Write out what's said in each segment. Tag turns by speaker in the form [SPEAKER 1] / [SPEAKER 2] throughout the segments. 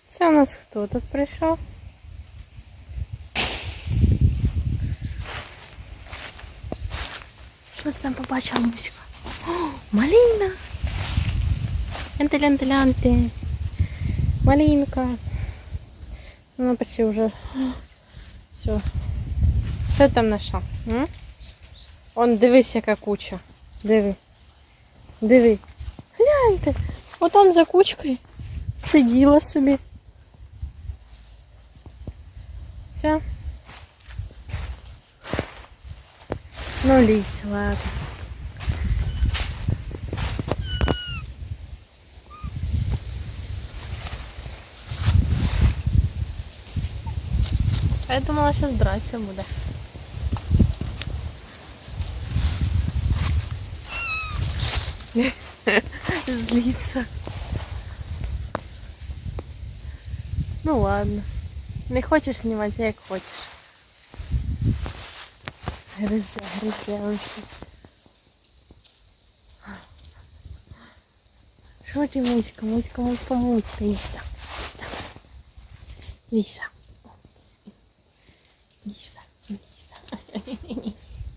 [SPEAKER 1] Це у нас хто тут прийшов? Що ти там побачила, Муська? О, малина! Ленти-ленти-ленти. Малинка. Вона почти вже... Все. Що ти там знайшла? Он, дивись, яка куча. Диви. Диви. Гляньте. Отам за кучкою сиділа собі. Все. Ну, лізь, ладно. А я думала, зараз драться буде. Злиться. Ну ладно. Не хочеш знімати, як хочеш. Гризе, он ще. Що ти, Муська, Муська, Муська, Муська, Іста, Іста, Іса. Іста, Іста.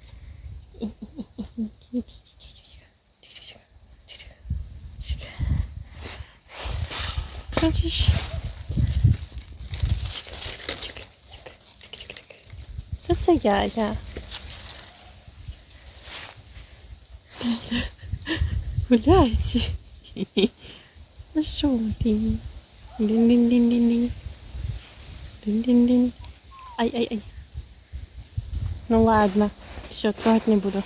[SPEAKER 1] Хочеш? Та це я. Гуляйте. Ну що ти? Дин-дин-дин-дин-дин. Дин-дин-дин. Ай. Ну ладно. Все, трогать не буду.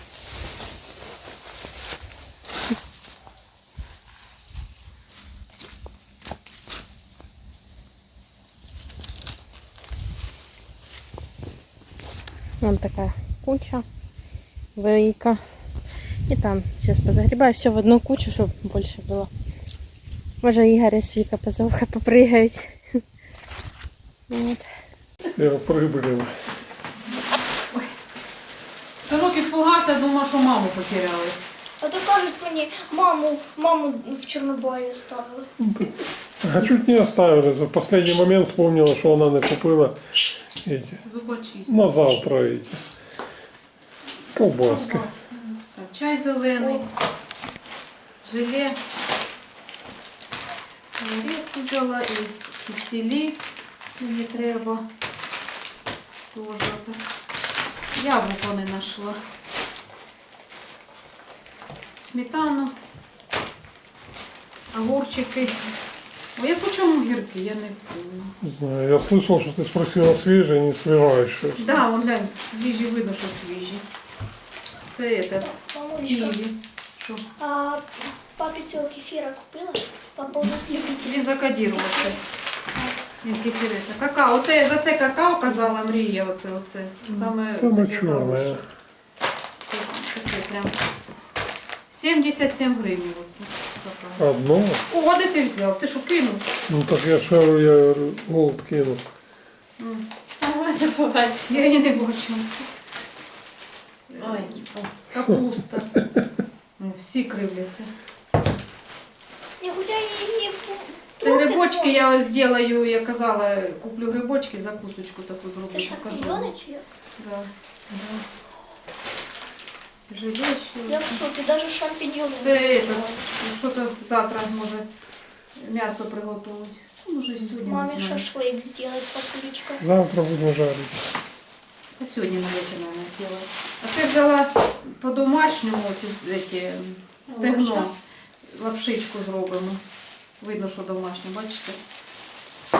[SPEAKER 1] Вон такая куча велика. И там сейчас позагребаю все в одну кучу, чтобы больше было. Може Ігор і Свіка позовка попригають. Вот.
[SPEAKER 2] Я прибрила.
[SPEAKER 3] Синок іспугався, думав, що маму потеряли.
[SPEAKER 4] А то кажуть мені, маму в Чорнобаї ставили.
[SPEAKER 2] А чуть не оставили. В последний момент вспомнила, что она не купила эти.
[SPEAKER 3] Зубочисти.
[SPEAKER 2] На завтра эти. Колбаски.
[SPEAKER 3] Так, чай зелений, желе. Рідку взяла і кисілі мені треба. Тоже так. Яблуко не знайшла. Сметану, огурчики. Ой, я по чому гірки, я не помню.
[SPEAKER 2] Не знаю, я слышал, что ты спросила свежие, не свежайшие.
[SPEAKER 3] Да, вон глянь, свіжі, видно, що свіжі. Це це,
[SPEAKER 4] Мамулечка,
[SPEAKER 3] ківі. Що?
[SPEAKER 4] а папі цього кефіра купила? Папа у нас любить.
[SPEAKER 3] Він закодірувався. Він кефірець. Какао. Оце, за це какао казала Мрія. Оце. Саме
[SPEAKER 2] Самое
[SPEAKER 3] таке
[SPEAKER 2] черное.
[SPEAKER 3] хороше. Це таке прям 77 гривень. Оце какао.
[SPEAKER 2] Одно?
[SPEAKER 3] О, де ти взяв? Ти що, кинув?
[SPEAKER 2] Ну так я шару, я голод кинул.
[SPEAKER 1] Не побачила.
[SPEAKER 3] Я її не бачу. Ой, капуста. Всі кривляться.
[SPEAKER 4] Я гуляю її.
[SPEAKER 3] Це грибочки я зроблю, я казала, куплю грибочки, закусочку таку зроблю,
[SPEAKER 4] Це
[SPEAKER 3] покажу.
[SPEAKER 4] шампіньони чи як?
[SPEAKER 3] Да. Желе ще.
[SPEAKER 4] Я в шокі, навіть шампіньони.
[SPEAKER 3] Це що то завтра може м'ясо приготувати. Може і сьогодні,
[SPEAKER 4] Мамі
[SPEAKER 3] не знаю.
[SPEAKER 4] шашлик зробити, папулечка.
[SPEAKER 2] Завтра будем жарить.
[SPEAKER 3] А сьогодні на вечір, мабуть, зробила. А це взяла по-домашньому ці стегно. Лапшичку зробимо. Видно, що домашнє, бачите? Так,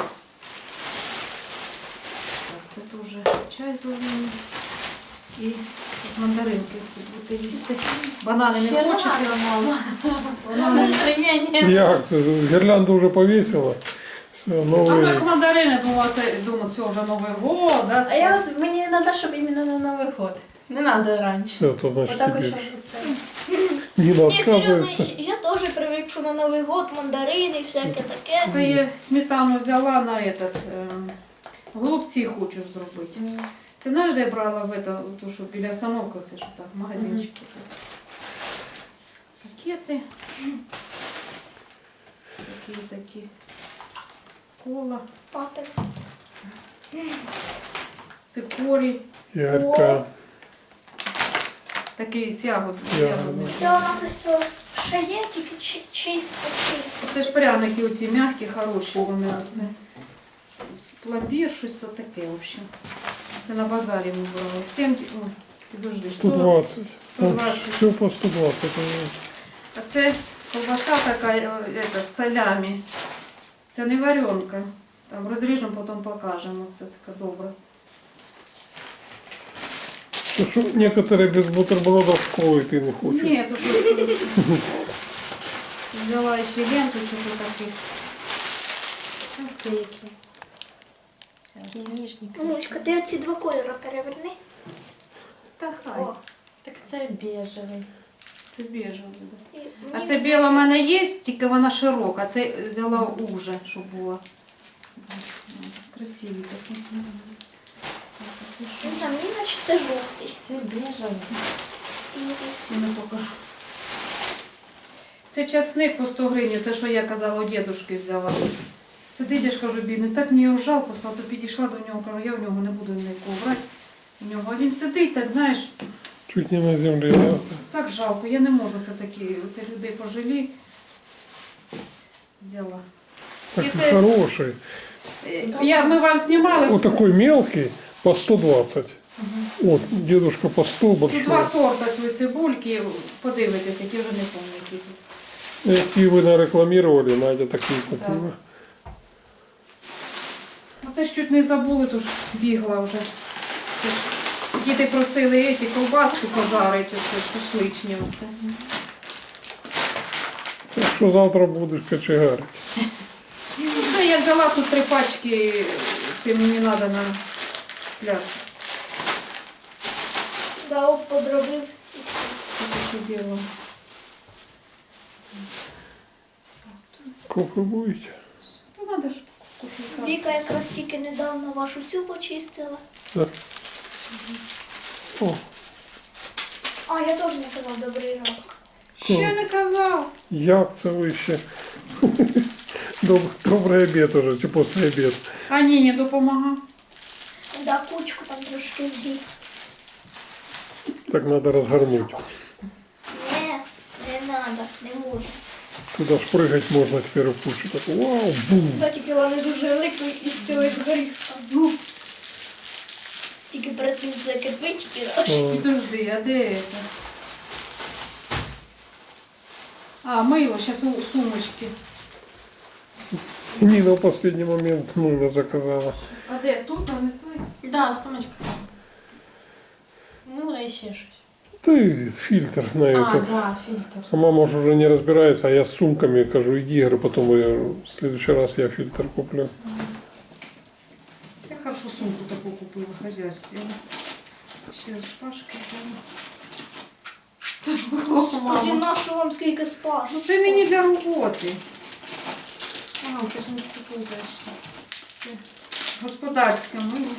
[SPEAKER 3] це дуже чай зелений. І мандаринки тут будете їсти. Банани не хочете?
[SPEAKER 1] Настроєння.
[SPEAKER 2] Як це? Гірлянду вже повісила. Все,
[SPEAKER 3] А
[SPEAKER 2] новий.
[SPEAKER 3] як мандарини, думаю, це вже Новий год, да?
[SPEAKER 1] А я от, мені треба, щоб іменно на Новий год. Не треба раніше.
[SPEAKER 2] Все, то значит
[SPEAKER 1] Отак ось,
[SPEAKER 2] теперь.
[SPEAKER 1] щоб це.
[SPEAKER 2] Нина
[SPEAKER 4] Ні, серйозно,
[SPEAKER 2] отказывается.
[SPEAKER 4] я теж привик, що на Новий год мандарини, всяке таке.
[SPEAKER 3] Це я сметану взяла на этот, голубці хочу зробити. Це знаєш, де я брала в это, ту, що біля остановки, це що так, магазинчик. Пакети. Такі. кола,
[SPEAKER 4] Папин.
[SPEAKER 3] цикорій,
[SPEAKER 2] Ярка.
[SPEAKER 3] такий з ягод. з
[SPEAKER 2] Ягоди.
[SPEAKER 3] ягодним.
[SPEAKER 4] Це у нас ось ще є, тільки чисто.
[SPEAKER 3] Це ж пряники оці м'які, хороші вони. Оце. Пломбір, щось то таке, в общем. Це на базарі ми брали. 7, ой, підожди,
[SPEAKER 2] 120.
[SPEAKER 3] 120.
[SPEAKER 2] Все по 120.
[SPEAKER 3] А це ковбаса така, салямі. Це не варенка. Там розріжемо, потім покажемо. Це така добра.
[SPEAKER 2] Потому что некоторые без бутербродов в школу идти не хочуть.
[SPEAKER 3] Ні, то що взяла ще ленту, що то таких.
[SPEAKER 1] Ах ти які. Такі ніжні.
[SPEAKER 4] Мамочка, ти оці два кольори переверни.
[SPEAKER 3] Та хай.
[SPEAKER 4] О,
[SPEAKER 1] Так це біжевий.
[SPEAKER 3] Це біжевий. Да.
[SPEAKER 4] і
[SPEAKER 3] А
[SPEAKER 4] мені
[SPEAKER 3] це біла в мене є, тільки вона широка. Це взяла уже, щоб була. Красиві такі. Так, а це що?
[SPEAKER 4] Там наче це жовтий.
[SPEAKER 1] Це біжевий.
[SPEAKER 3] Я не покажу. Це часник по 100 гривень, це що я казала, у дідушки взяла. Сидить, я ж кажу, бідний, так мені його жалко, стало, то підійшла до нього, кажу, я у нього не буду ніякого брати. У нього. А він сидить, так, знаєш,
[SPEAKER 2] Чуть не на земле. Да?
[SPEAKER 3] так жалко, я не можу це такі, оце людей пожалій. Взяла.
[SPEAKER 2] Так
[SPEAKER 3] І
[SPEAKER 2] и
[SPEAKER 3] це,
[SPEAKER 2] хороший.
[SPEAKER 3] ми вам знімали,
[SPEAKER 2] Вот такой мелкий по 120. Вот, дедушка по 100
[SPEAKER 3] тут
[SPEAKER 2] большой.
[SPEAKER 3] два сорта цієї цибульки, подивитися, які вже не пам'ятаю, які тут.
[SPEAKER 2] Які ви нарекламировали, Надя такі купила.
[SPEAKER 3] А це ж чуть не забули, то ж бігла вже. Це ж діти просили ці ковбаски пожарити, оце шашличні оце.
[SPEAKER 2] Так що завтра будеш кочегарити.
[SPEAKER 3] Ну, це я взяла тут 3 пачки, це мені треба на пляж.
[SPEAKER 4] Да, подробив і все.
[SPEAKER 3] Це таке діло.
[SPEAKER 2] Кофе будете?
[SPEAKER 3] То треба ж кофейка.
[SPEAKER 4] Віка якраз тільки недавно вашу цю почистила.
[SPEAKER 2] Да. О,
[SPEAKER 4] А, я теж не казав добрий ранок.
[SPEAKER 3] Ще не казав.
[SPEAKER 2] як це ви ще? Добрий обід уже, чи після обід.
[SPEAKER 3] А ні, не допомагав.
[SPEAKER 4] Да, кучку там трошки згріб.
[SPEAKER 2] Так треба розгорнути.
[SPEAKER 4] Не надо, не можна.
[SPEAKER 2] Туди ж пригати можна тепер в кучу. Так, вау, бум.
[SPEAKER 4] Та тільки вона не дуже велика і з цього згорів. Ну. Тільки перед цим це кирпички. Да?
[SPEAKER 3] Підожди, а де це? А, мило, зараз у сумочки.
[SPEAKER 2] Ніна в останній момент мило заказала.
[SPEAKER 3] А де? Тут нанесли?
[SPEAKER 1] Да, сумочка там. Мило і ще щось.
[SPEAKER 2] Ты фильтр на
[SPEAKER 1] А,
[SPEAKER 2] этот.
[SPEAKER 1] да, фільтр.
[SPEAKER 2] А мама же уже не разбирается, а я с сумками кажу, иди, говорю, потом я, в следующий раз я фильтр куплю.
[SPEAKER 3] Я хорошо сумку таку купила в хозяйстве. Ще з Пашки.
[SPEAKER 4] Господи, нашу вам скільки спаш.
[SPEAKER 3] Ну це мені для роботи.
[SPEAKER 1] А, це ж не цвітує.
[SPEAKER 3] Це господарське мило.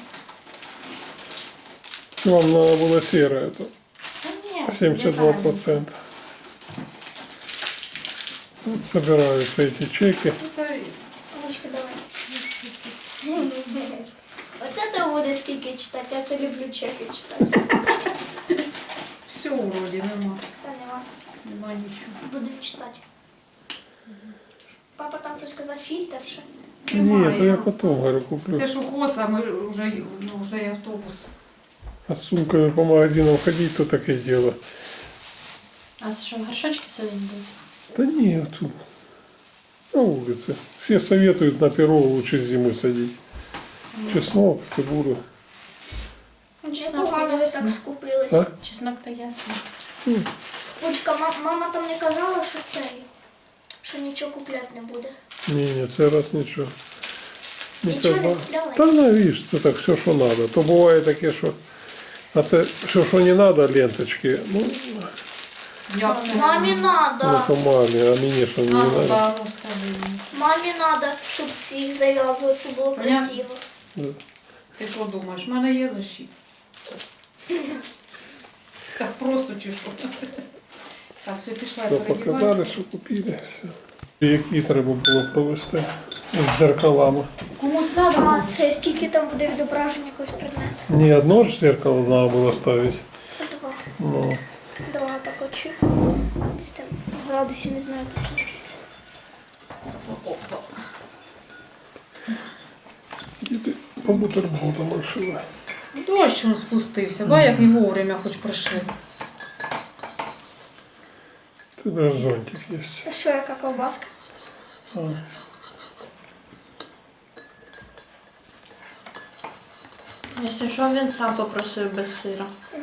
[SPEAKER 2] Вам надо было серое, это
[SPEAKER 1] Та ні.
[SPEAKER 2] 72%. Вот собираются эти чеки.
[SPEAKER 3] Тут
[SPEAKER 4] Мамочка, давай. Оце ти буде скільки читати, я це люблю чеки читати.
[SPEAKER 3] все вроді нема.
[SPEAKER 4] Та нема.
[SPEAKER 3] Нема нічого.
[SPEAKER 4] Буду читати. Папа там щось сказав, фільтр ще.
[SPEAKER 2] Нет, я потом, говорю, куплю.
[SPEAKER 3] Це ж ухоз, а ми вже і автобус.
[SPEAKER 2] А с сумками по магазинам ходить, то такое дело.
[SPEAKER 1] А це що, горшочки сидить будуть?
[SPEAKER 2] Да нет, тут на улице. Все советуют на перо лучше зимой садить. Чеснок, цибулю.
[SPEAKER 1] Ну, чеснок то
[SPEAKER 4] Непогано ви так
[SPEAKER 1] ясно.
[SPEAKER 4] скупились.
[SPEAKER 2] А?
[SPEAKER 1] Чеснок то ясно.
[SPEAKER 4] Пучка, мама там не казала, що це, що нічого купляти не буде.
[SPEAKER 2] Не, цей раз нічого.
[SPEAKER 4] Нічого не
[SPEAKER 2] казав.
[SPEAKER 4] давай.
[SPEAKER 2] Та навіщо, це так все, що треба. То буває таке, що. А це все, що не треба, ленточки. Ну,
[SPEAKER 3] Як це?
[SPEAKER 4] Мамі надо.
[SPEAKER 2] то мамі, а мені що не
[SPEAKER 3] А, ну,
[SPEAKER 2] треба.
[SPEAKER 3] да, ну скажи мені.
[SPEAKER 4] Мамі надо, щоб ці зав'язувати, щоб було
[SPEAKER 3] Понятно.
[SPEAKER 4] красиво.
[SPEAKER 3] Ти що думаєш, в мене є защита? Так просто чи що? Так, все, пішла я
[SPEAKER 2] То показали,
[SPEAKER 3] передіватися.
[SPEAKER 2] що купили. Все. Які треба було провести. з дзеркалами.
[SPEAKER 3] Комусь треба.
[SPEAKER 4] А це скільки там буде відображення якогось предмету?
[SPEAKER 2] Не одно ж зеркало надо было ставить.
[SPEAKER 4] Два.
[SPEAKER 2] Ну,
[SPEAKER 4] Два так очі. Десь там в градусі не знаю точно скільки.
[SPEAKER 2] і ти по бутербродам решила.
[SPEAKER 3] Дощ он спустився, ба як не вовремя хоч прийшли.
[SPEAKER 2] Ти даже зонтик є.
[SPEAKER 4] А що, яка ковбаска?
[SPEAKER 2] А.
[SPEAKER 1] Якщо що, він сам попросив без сира.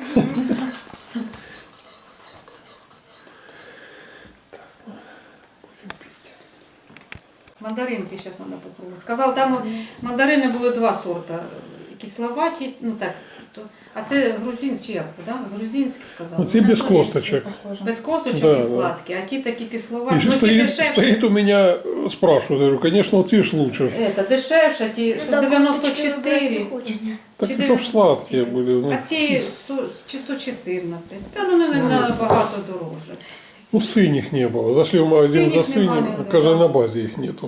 [SPEAKER 3] Мандаринки зараз треба попробувати. Сказав, там мандарини були два сорта. Кисловаті, ну так. А це грузин чи як? Да? Грузинські сказав.
[SPEAKER 2] Оці без косточок.
[SPEAKER 3] Без косточок
[SPEAKER 2] Да,
[SPEAKER 3] і
[SPEAKER 2] да.
[SPEAKER 3] сладкі, а ті такі
[SPEAKER 2] И
[SPEAKER 3] кисловаті.
[SPEAKER 2] же
[SPEAKER 3] Ну ті
[SPEAKER 2] стоит,
[SPEAKER 3] дешевші.
[SPEAKER 2] стоит у меня, спрашивают, я говорю, конечно, вот ж лучше.
[SPEAKER 3] Это дешевше, ті що
[SPEAKER 4] Да, косточки вибирати
[SPEAKER 3] 94.
[SPEAKER 4] не хочеться.
[SPEAKER 2] Так,
[SPEAKER 3] Чи
[SPEAKER 2] чтобы сладкие были.
[SPEAKER 3] А
[SPEAKER 2] Ну,
[SPEAKER 3] ці 100, чи 114. Та ну не набагато дорожче.
[SPEAKER 2] ну, синих не было. Зашли в магазин за
[SPEAKER 3] Синіх немає,
[SPEAKER 2] синим,
[SPEAKER 3] да.
[SPEAKER 2] каже, на базе их нету.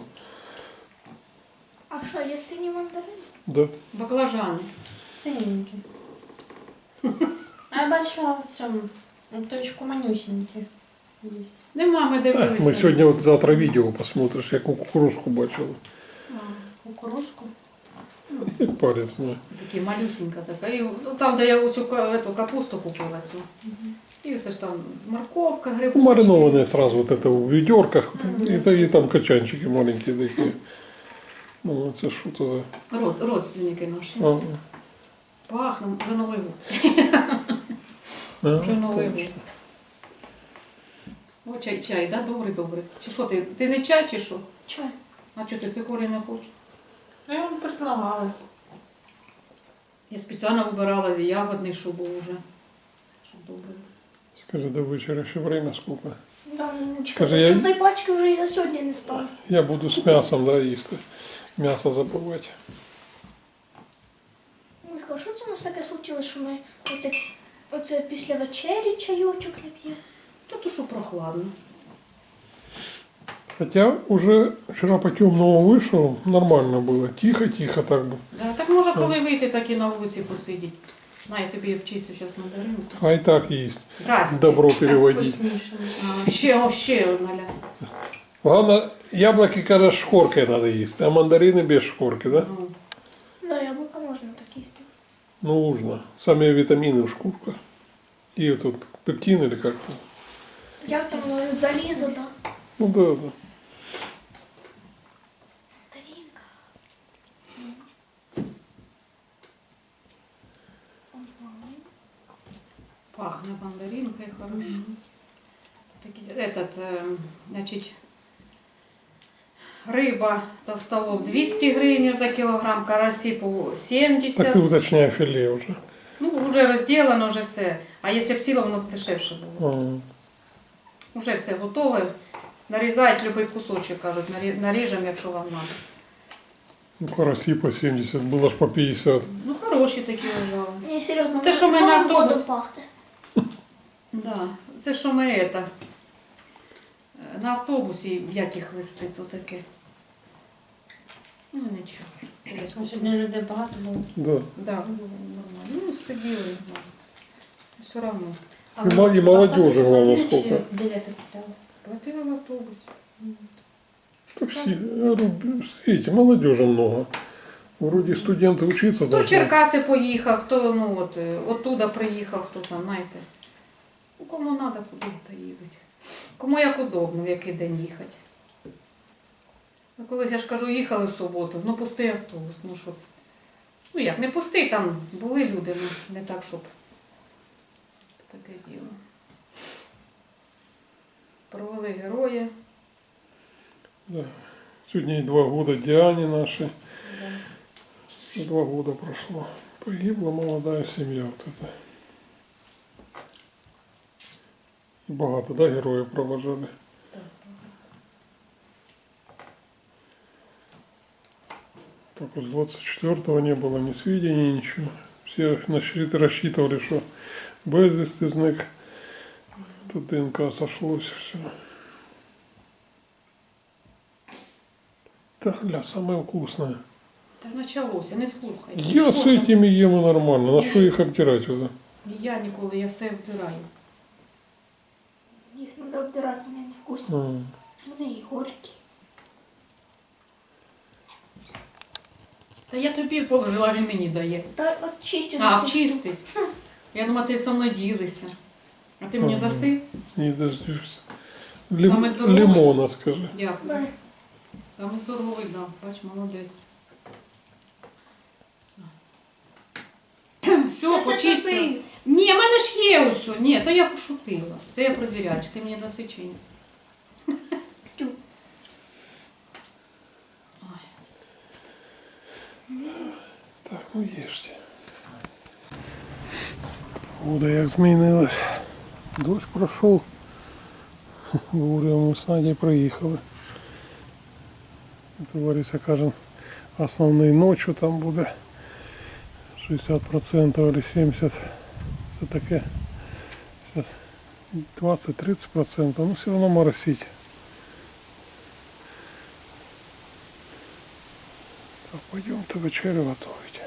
[SPEAKER 4] А що, є сині мандарини?
[SPEAKER 2] Да.
[SPEAKER 3] Баклажани.
[SPEAKER 1] Синенькі. А я бачила в цьому, в точку манюсінькі є.
[SPEAKER 3] Нема, ми дивилися.
[SPEAKER 2] Мы сегодня вот завтра видео посмотришь, я кукурузку бачил.
[SPEAKER 1] Кукурузку.
[SPEAKER 2] Як палец мой.
[SPEAKER 3] Такі малюсінька така. І ну, там, де я оцю эту капусту купила цю. І оце ж там морковка, грибочки.
[SPEAKER 2] Ну, маринованные сразу вот это в ведерках. И там качанчики маленькие такие. Ну, это что-то
[SPEAKER 3] Родственники наші.
[SPEAKER 2] за...
[SPEAKER 3] Пахне, вже Новий год.
[SPEAKER 2] А,
[SPEAKER 3] Вже Новий
[SPEAKER 2] точно.
[SPEAKER 3] год. О, чай, да? Добрий. Чи що ти? Ти не чай чи що?
[SPEAKER 4] Чай.
[SPEAKER 3] А чого ти цикорій не хочеш?
[SPEAKER 1] Я вам предлагала.
[SPEAKER 3] Я спеціально вибирала ягодний, щоб був уже. Щоб добре.
[SPEAKER 2] Скажи, до вечера еще время сколько?
[SPEAKER 4] Да, ну,
[SPEAKER 2] Скажи, я-
[SPEAKER 4] щоб той пачки вже і за сьогодні не стало.
[SPEAKER 2] Я буду с мясом, да, їсти. Мясо забывать.
[SPEAKER 4] Мишка, а що це у нас таке случилось, що ми оце після вечері чайочок не п'ємо?
[SPEAKER 3] Та то що прохладно.
[SPEAKER 2] Хотя уже вчера по темному вышел, нормально было. Тихо-тихо так бы.
[SPEAKER 3] Да, так може, коли вийти, так і на вулиці посидіти. На, я тобі обчистю зараз мандаринку.
[SPEAKER 2] А и так есть.
[SPEAKER 3] Здрасте.
[SPEAKER 2] Добро переводить.
[SPEAKER 1] Вкусніше.
[SPEAKER 3] Ще одна ля.
[SPEAKER 2] Главное, яблоки, когда с шкоркой надо есть, а мандарины без шкорки, да?
[SPEAKER 3] Ну,
[SPEAKER 4] Да, яблука можна так їсти.
[SPEAKER 2] Нужно. Сами витамины в шкурках. И вот тут пектин или как-то.
[SPEAKER 4] Як там воно, залізо, да?
[SPEAKER 2] Ну да, да.
[SPEAKER 4] Тарінка.
[SPEAKER 3] пахне мандаринкой хорошо. Значить, риба толстолоб 200 гривень за кілограм, карасі по 70.
[SPEAKER 2] Так ты уточняй филе уже.
[SPEAKER 3] Ну, вже розділено, вже все. А якщо б сіло, воно б дешевше було.
[SPEAKER 2] А,
[SPEAKER 3] Уже все готове. Нарізають будь-який кусочок, кажуть, наріжемо, якщо вам треба.
[SPEAKER 2] ну, караси по 70, было ж по 50.
[SPEAKER 3] Ну, хороші такі лежали.
[SPEAKER 4] Ні, серйозно,
[SPEAKER 3] Це що ми на
[SPEAKER 4] Новим годом
[SPEAKER 3] автобус?
[SPEAKER 4] пахне.
[SPEAKER 3] Да. Це що ми на автобусі, як їх вести, то таке. Ну, нічого. Десь
[SPEAKER 1] Сьогодні людей багато було.
[SPEAKER 2] Да.
[SPEAKER 3] Да, нормально. Ну, сиділи, да. Все одно.
[SPEAKER 2] И молодежи, главное, сколько.
[SPEAKER 1] Білети купляли.
[SPEAKER 3] Платили в автобусі.
[SPEAKER 2] Так все, я говорю, видите, молодежи много. Вроде студенты учиться
[SPEAKER 3] Хто в
[SPEAKER 2] должны.
[SPEAKER 3] Черкаси поїхав, хто оттуда приїхав, хто там, знаєте. Ну, кому треба, куди то їдуть. Кому як удобно, в який день їхати. Ну, колись, я ж кажу, їхали в суботу, ну пустий автобус, ну що це. Ну як, не пустий, там були люди, ну не так, щоб таке діло. Провели героя.
[SPEAKER 2] Да. Сегодня 2 года Диане нашей.
[SPEAKER 3] Да.
[SPEAKER 2] 2 года прошло. Погибла молодая семья вот эта. И богато, да, героев провожали.
[SPEAKER 3] Так.
[SPEAKER 2] Так вот с 24-го не было ни сведений, ничего. Все рассчитывали, что безвісти зник. Тут ДНК сошлось, все. Да, гля, самое вкусное.
[SPEAKER 3] Та почалося, не слухай.
[SPEAKER 2] Я
[SPEAKER 3] Що
[SPEAKER 2] с
[SPEAKER 3] там?
[SPEAKER 2] этими ем нормально. На что их обтирать туда?
[SPEAKER 3] Я ніколи, я все вбираю.
[SPEAKER 4] Їх треба втирати, вони не вкусні. Вони і горькі.
[SPEAKER 3] Та я тобі положила, він мені дає.
[SPEAKER 4] Та от чистю.
[SPEAKER 3] А,
[SPEAKER 4] на цю
[SPEAKER 3] вчистить. Я думала, ти со мною ділися. А ти мені
[SPEAKER 2] Ага.
[SPEAKER 3] даси?
[SPEAKER 2] Не дождешься.
[SPEAKER 3] Самый здоровый?
[SPEAKER 2] Лимона, скажи.
[SPEAKER 3] Дякую.
[SPEAKER 4] штуку.
[SPEAKER 3] Саме здоровий, да. Бач, молодець. Все, почистив. Ні, в мене ж є усе. Ні, то я пошутила. То я перевіряю, чи ти мені даси чи ні.
[SPEAKER 4] Тю.
[SPEAKER 3] Ой.
[SPEAKER 2] Так, ну ешьте. Погода як змінилась. Дощ пройшов. Говоримо, ми з Надей проїхали. Товариша каже, основний ночью там буде 60% или 70%. Це таке. Зараз 20-30%, ну все одно моросить. Так, пойдемте вечерю готовить.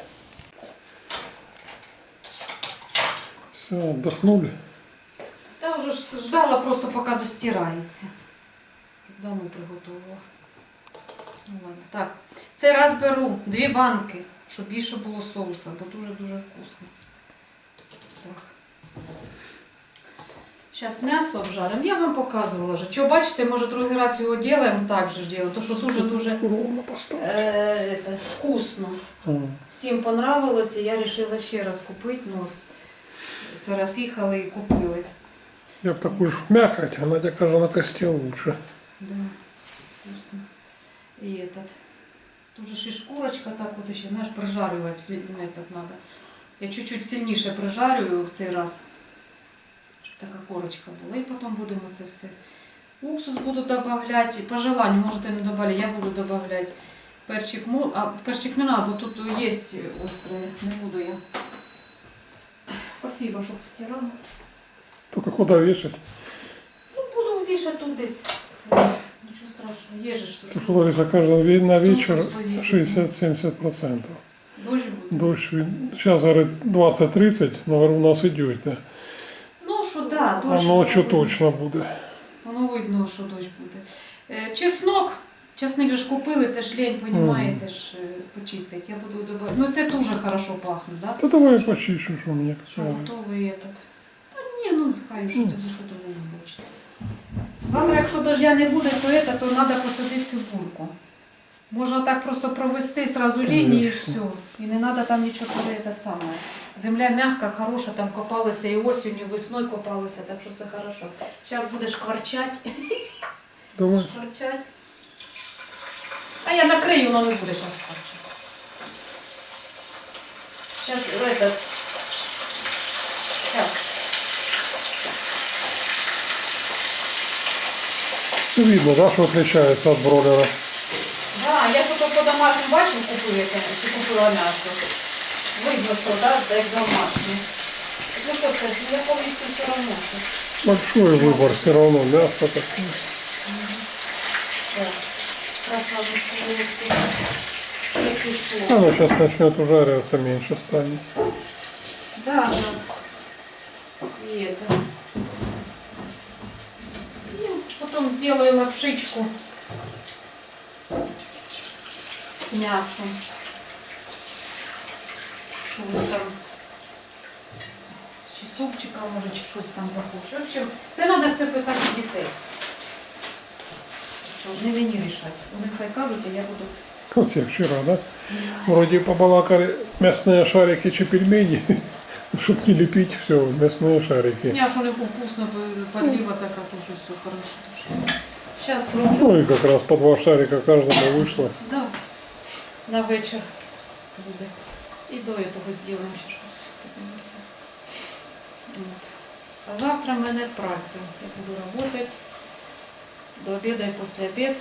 [SPEAKER 2] Все, отдохнули.
[SPEAKER 3] Та вже ж ждала просто, поки достирається. Давно приготувала. Ну ладно, так. Цей раз беру 2 банки, щоб більше було соуса, бо дуже-дуже вкусно. Так. Зараз м'ясо обжаримо. Я вам показувала вже. Чого бачите, може другий раз його робимо, так же ж робимо, тому що дуже-дуже
[SPEAKER 2] Ровно поставить.
[SPEAKER 3] вкусно. Всім понравилося, я вирішила ще раз купити. Ну, це раз їхали і купили.
[SPEAKER 2] Я б таку ж мякоть, а Надя каже, на кості лучше.
[SPEAKER 3] Да, вкусно. И этот, тоже ж и шкурочка так вот еще, знаешь, прожаривать этот надо. Я чуть-чуть сильніше прожарюю в цей раз, щоб така корочка була. І потім будемо це все. Уксус буду добавлять, по желанию, можете не добавлять, я буду добавлять перчик мол, а перчик не надо, бо тут є острое, не буду я. Спасибо, що постирала.
[SPEAKER 2] Только куда вешать?
[SPEAKER 3] Ну, буду вішати тут десь. Нічого страшного, є же ж.
[SPEAKER 2] Тут Лариса каже, на вечер
[SPEAKER 3] Уксус повісить.
[SPEAKER 2] 60-70%.
[SPEAKER 3] Дощ буде.
[SPEAKER 2] Дощ, сейчас, говорит, 20-30, но говорю, у нас идет, да.
[SPEAKER 3] Ну, що да,
[SPEAKER 2] А
[SPEAKER 3] дощ.
[SPEAKER 2] ночью
[SPEAKER 3] буде.
[SPEAKER 2] точно буде.
[SPEAKER 3] Воно видно, що дощ буде. Чеснок, часник ж купили, це ж лень, понімаєте, ж почистить. Я буду добавити. Ну це дуже хорошо пахне, да?
[SPEAKER 2] Да давай я почищу, что мне
[SPEAKER 3] Що
[SPEAKER 2] кажется.
[SPEAKER 3] готовий этот. Та ні, ну хай, що ти що того не хочете. Завтра, якщо дождя не буде, то треба посадити цибульку. Можна так просто провести сразу лінію і все. І не треба там нічого те саме. Земля м'яка, хороша, там копалися і осінню, і весною копалися, так що все хорошо. Зараз будеш кварчати.
[SPEAKER 2] Давай.
[SPEAKER 3] Кварчать. А я накрию, воно не буде зараз кварчати. Зараз этот. Так.
[SPEAKER 2] Видно, да, что отличается от бройлера.
[SPEAKER 3] Да, я що по домашньому бачив, купила м'ясо. Видно, що, да, як домашнє. Ну що це, я повністю все одно.
[SPEAKER 2] Большой выбор все равно, мясо такое.
[SPEAKER 3] Так. Красавица.
[SPEAKER 2] Оно сейчас начнет ужариваться, меньше станет.
[SPEAKER 3] Да, да. И это. И потом сделаю лапшичку с мясом. Что вы там? Чи супчика, може, чи щось там захочу. В общем, це треба все питати дітей. Що ж, не мені рішати. Вони хай кажуть, а я буду.
[SPEAKER 2] Вот я вчера, да? Вроде побалакали мясные шарики чи пельмени. Чтоб не лепить, все, мясные шарики.
[SPEAKER 3] Ні, а що не вкусно, подлива така, тоже все хорошо. Сейчас роблю.
[SPEAKER 2] Ну и как раз по 2 шарика каждому вышло.
[SPEAKER 3] Да. На вечір буде. І до того зробимо ще щось. Подивимося. От. А завтра в мене праця. Я буду працювати до обіду і після обіду.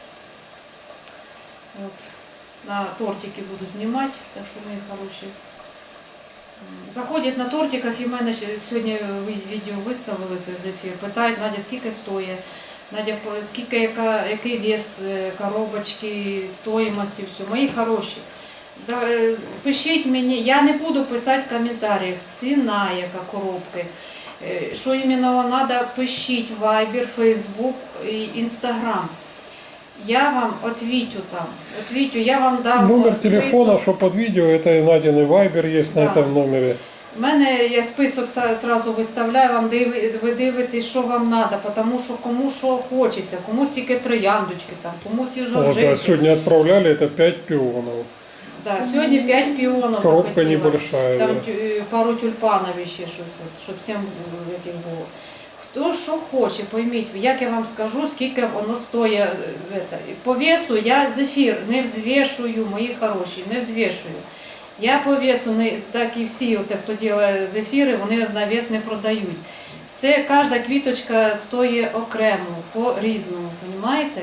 [SPEAKER 3] От. На тортики буду знімати, так що мої хороші. Заходять на тортиках і в мене сьогодні відео виставили це з ефір. Питають, Надя, скільки стоїть. Надя, скільки, який вес коробочки, стоїмості, все. Мої хороші. Пишіть мені, я не буду писати в коментарях, ціна, яка коробки. Що іменно треба, пишіть в Viber, Facebook і Instagram. Я вам отвечу там. Отвечу, я вам дам
[SPEAKER 2] Номер
[SPEAKER 3] список.
[SPEAKER 2] телефона, что под видео, это и Надин Вайбер есть на
[SPEAKER 3] Да.
[SPEAKER 2] этом номере.
[SPEAKER 3] У мене я список сразу виставляю, вам ви дивитесь, що вам треба, тому що кому що хочеться, комусь тільки трояндочки, там, кому ці
[SPEAKER 2] Вот, да,
[SPEAKER 3] жоржинки.
[SPEAKER 2] сегодня отправляли, это 5 пионов.
[SPEAKER 3] Да, сьогодні 5 піонів
[SPEAKER 2] Коробка
[SPEAKER 3] захотіла.
[SPEAKER 2] небольшая.
[SPEAKER 3] Там
[SPEAKER 2] Да.
[SPEAKER 3] пару тюльпанів ще щось, щоб всім этих було. Хто що хоче, пойміть, як я вам скажу, скільки воно стоїть. По весу я зефір не взвішую, мої хороші, не взвішую. Я по весу, так і всі, оце, хто робить зефіри, вони на вес не продають. Все, кожна квіточка стоїть окремо, по-різному, розумієте?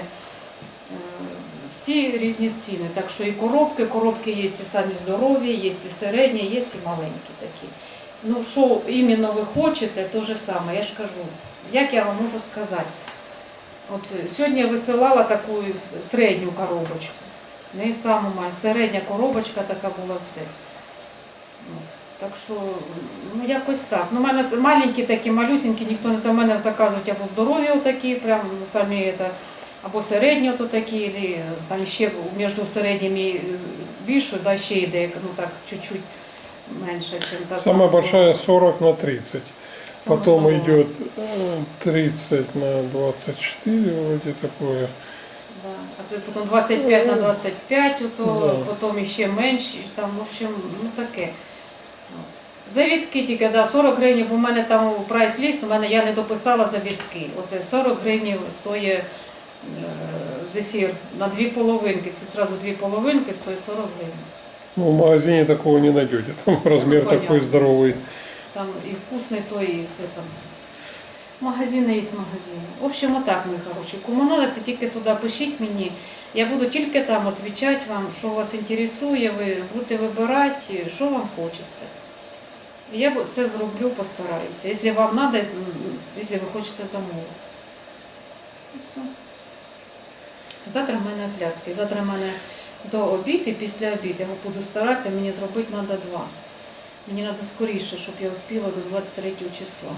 [SPEAKER 3] Всі різні ціни. Так що і коробки є і самі здорові, є і середні, є і маленькі такі. Ну, що іменно ви хочете, то же саме, я ж кажу. Як я вам можу сказати? От сьогодні я висилала таку середню коробочку. Не саму маленьку, середня коробочка така була все. От. Так що, ну якось так. Ну, у мене маленькі такі, малюсенькі, ніхто не за мене заказують або здорові отакі, прям самі це, або середні ото такі, або там ще між середніми більше, да, ще йде, ну так, чуть-чуть менше, ніж та
[SPEAKER 2] Самая большая 40 на 30.
[SPEAKER 3] Самая
[SPEAKER 2] Потом
[SPEAKER 3] здоровая.
[SPEAKER 2] идет 30 на 24, вроде такое.
[SPEAKER 3] Да. А це потім 25 на 25, ото,
[SPEAKER 2] Да.
[SPEAKER 3] потім ще менше, там, в общем, ну таке. От. Завітки тільки, да, 40 гривень, бо в мене там прайс-ліст, я не дописала завітки. Оце 40 гривень стоїть зефір на 2 половинки, це одразу 2 половинки стоїть 40 гривень.
[SPEAKER 2] Ну, в магазине такого не найдете. Там размер
[SPEAKER 3] понятно.
[SPEAKER 2] такой здоровый.
[SPEAKER 3] Там і вкусний той, і все там. Магазини є магазини. В общем, отак, мої хороші. Кому надо, це тільки туди пишіть мені. Я буду тільки там відповідати вам, що вас інтересує, ви будете вибирати, що вам хочеться. І я все зроблю, постараюся. Якщо вам треба, якщо ви хочете замовити. І все. Завтра в мене пляцки. Завтра в мене до обіду і після обіду. Я буду старатися, мені зробити треба 2. Мені треба скоріше, щоб я успіла до 23 числа.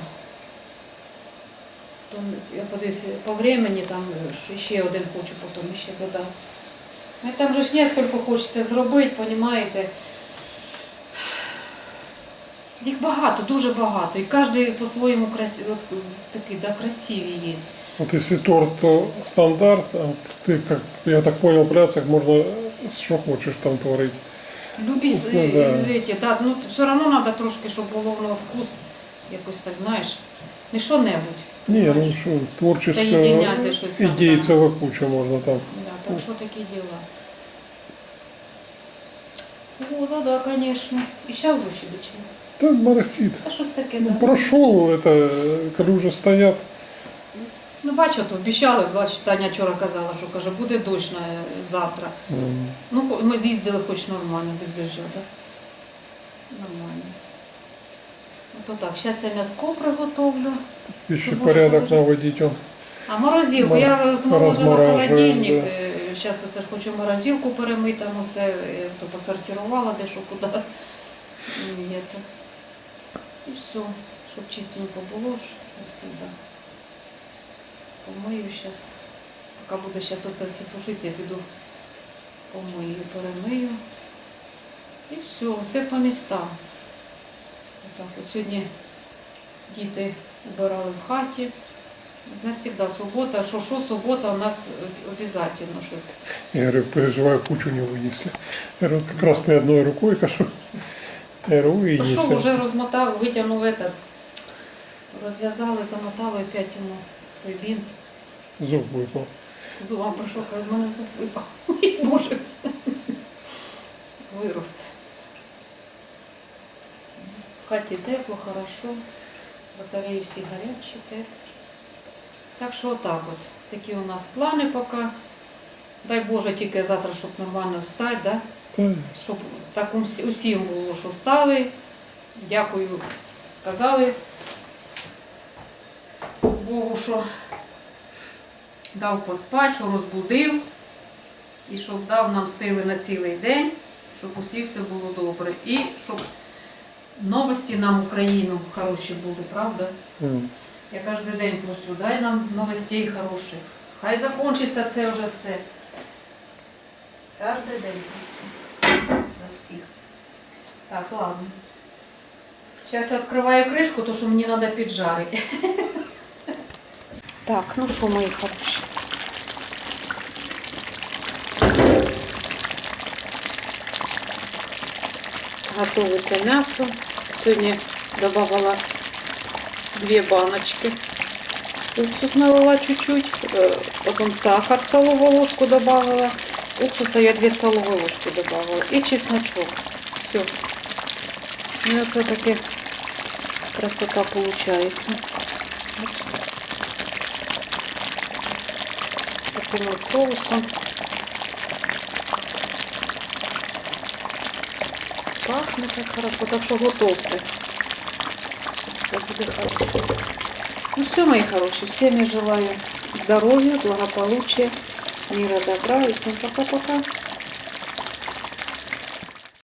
[SPEAKER 3] Я подивлюся, по времени там ще один хочу потім ще додати. Там же ж несколько хочеться зробити, розумієте? Їх багато, дуже багато. І кожен по-своєму такий, да, красивий є.
[SPEAKER 2] Вот если торт, то стандарт, а ты, как я так понял, пляцах можно что хочешь там творить.
[SPEAKER 3] Любі
[SPEAKER 2] Ну, да.
[SPEAKER 3] эти, да, ну все одно треба трошки, щоб було воно вкус, якось так, знаєш, не що-небудь.
[SPEAKER 2] Не, ну что, творческая
[SPEAKER 3] Соединяти щось там,
[SPEAKER 2] идей
[SPEAKER 3] да.
[SPEAKER 2] целая куча можно там.
[SPEAKER 3] Да, так що такі діла. О, ну да, конечно. І зараз лучше бичі.
[SPEAKER 2] Так моросит.
[SPEAKER 3] Та щось таке,
[SPEAKER 2] Ну,
[SPEAKER 3] да.
[SPEAKER 2] прошел это, когда уже стоят.
[SPEAKER 3] Ну, бачу, то обіцяли, бачу, Таня вчора казала, що каже, буде дощ завтра. Ну, ми з'їздили хоч нормально, без дощу, так? Нормально. Ну, то так, зараз я м'яско приготовлю.
[SPEAKER 2] Еще
[SPEAKER 3] Чтобы
[SPEAKER 2] порядок
[SPEAKER 3] было
[SPEAKER 2] наводить. Он.
[SPEAKER 3] А морозилку, я розморозила
[SPEAKER 2] Розморажуємо,
[SPEAKER 3] холодильник.
[SPEAKER 2] да.
[SPEAKER 3] Зараз я хочу морозилку перемити, там усе, я то посортувала, де що куди. І все, щоб чистенько було, як завжди. Помию зараз. Поки буде зараз оце все тушити, я піду помию, перемию. І все по містам. Отак, от сьогодні діти убирали в хаті. У нас завжди субота, що субота у нас обов'язково щось.
[SPEAKER 2] Я говорю, переживаю, кучу не вынесли. Я говорю, как раз ты одной рукой кашу. Я говорю,
[SPEAKER 3] То що
[SPEAKER 2] вынесли.
[SPEAKER 3] вже розмотав, витягнув этот, розв'язали, замотали опять йому той бінт.
[SPEAKER 2] Зуб выпал.
[SPEAKER 3] Зуба пройшов, каже, в мене зуб випав. Ой, Боже. Виросте. В хаті тепло, хорошо. Батареї всі гарячі, теплі. Так що отак от. Такі у нас плани поки. Дай Боже, тільки завтра, щоб нормально встати, да?
[SPEAKER 2] Да.
[SPEAKER 3] Щоб так усім було, що встали. Дякую, сказали Богу, що дав поспати, що розбудив. І щоб дав нам сили на цілий день, щоб усі все було добре. І щоб новості нам Україну хороші були, правда? Я кожен день прошу, дай нам новостей хороших. Хай закінчиться це вже все. Кожен день прошу. За всіх. Так, ладно. Зараз я відкриваю кришку, тому що мені треба піджарити. Так, ну що, мої хороші. Готовиться м'ясо. Сьогодні додавала 2 баночки. Уксус налила чуть-чуть, потом сахар столовую ложку добавила. Уксуса я 2 столовые ложки добавила. И чесночок. Все. У меня все таки красота получается. Таким вот соусом. Пахнет так хорошо, так что готовьте. Все будет хорошо. Ну все, мои хорошие, всем я желаю здоровья, благополучия, мира, добра и всем пока-пока.